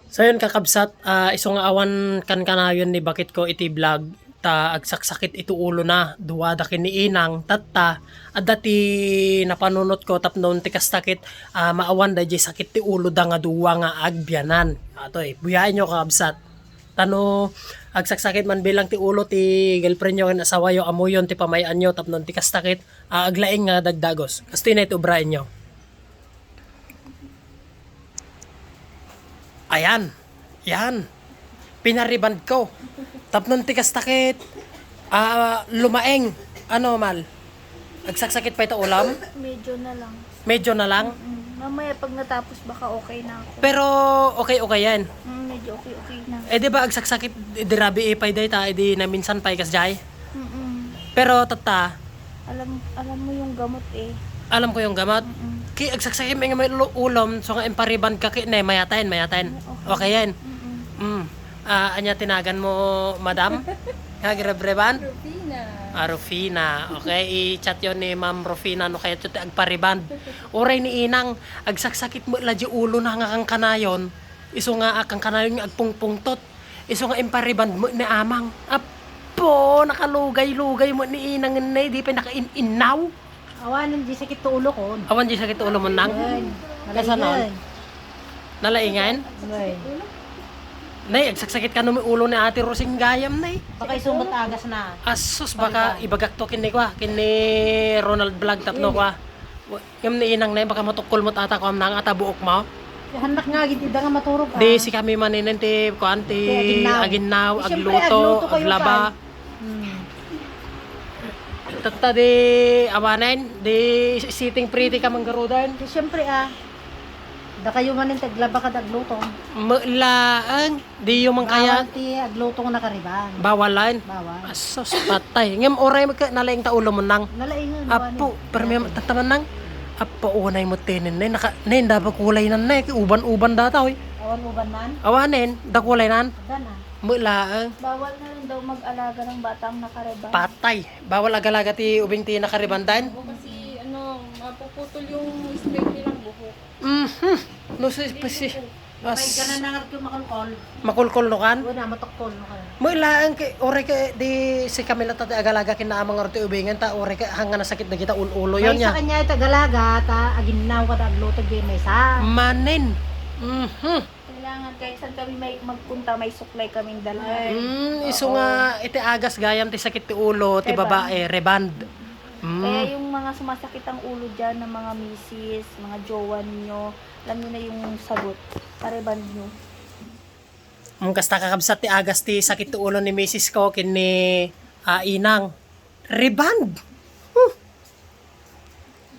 So yun kakabsat, iso nga awan kan kanayon ni bakit ko iti vlog ta agsaksakit ito ulo na duwada kini inang tatta at dati napanunot ko tapnon ti kastakit maawan da jay sakit ti ulo da nga duwa nga agbianan. Ato buyain nyo kakabsat. Tano agsaksakit man bilang ti ulo ti girlfriend nyo ken asawa yo amuyon ti pamayan nyo tapnon ti kastakit aglaing nga dagdagos. Kasto na ito ubrain nyo. Ayan. Yan. Pinariband ko. Tapnon tikas takit. Lumaeng. Ano mal? Agsaksakit pa ito ulam? Medyo na lang. Medyo na lang. Mamaya pag natapos baka okay na ako. Pero okay yan. Medyo okay na. Di ba agsaksakit dirabi ipay day ta di na minsan pay kas jay. Pero tata, Alam mo yung gamot eh. alam ko yung gamat. Ki agsaksakit may ulam so nga impariband ka ki mayatain. Okay yan. Anya tinagan mo, madam? Kagrebreban? Rufina. Okay, i-chat yon ni Ma'am Rufina no kaya tuti agpariband. Oray ni inang agsaksakit mo ladyo ulo na nga kang kanayon. Iso nga akang kanayon nga agpungpungtot. Iso nga impariband mo ni amang. Apo, nakalugay-lugay mo ni inang nay di pa nakain-inaw. Awanan di sakit to ulo ko. Awan di sakit ulo mo nang. Kasanon? Nalaingan? Nay, agsaksakit ka no ulo ni Ate Rosing Gayam, nay. Baka isumot agas na. Asus, baka ibagak to kini kwa, kini Ronald Vlog tapno kwa. Yung ni inang nay, baka matukol mo tata ko nang ata buok mo. Hanak nga gid nga maturog ka. Di si kami maninin ti kuan ti aginaw, agluto, aglaba. Tata di awanen, di sitting pretty ka manggarudan. Di syempre da kayo manin taglaba ka dagluto. Mulaang, di yung mang kaya Bawal ti agluto nga nakariban. bawalan. Bawal. Asus, patay. Ngem oray magka nalaing ta ulo mo nang. Nalaingan. Apo, pero may tataman nang. Apo, unay mo tinin na. Nay, dapat kulay nan na. Uban-uban data, oy. Awan uban man. Awanin, da kulay nan. Dana. Mulaang. Bawal na rin daw mag-alaga ng batang nakareba. Patay. Bawal agalaga ti ubing ti nakaribandan. Kasi mapuputol yung straight nilang buhok. No, si May ganan na nga yung makulkol. makulkol no kan. Wala matokol no ka. Mulaang kay oray ka di si Camila ta agalaga kin na amang orte ubingan ta oray ka hanga na sakit na kita ulo yon May sa nya. kanya ita galaga ta aginaw ka dagluto di may sa. Manen. Kailangan kahit saan kami may magpunta, may suklay kaming dala. Iso nga iti agas gayam ti sakit ti ulo ti babae reband. Kaya yung mga sumasakit ang ulo dyan ng mga misis, mga jowa ninyo, alam nyo na yung sagot. Pareband nyo. Kasta kakabsat ti agas ti sakit ti ulo ni Mrs. ko kin ni inang reband.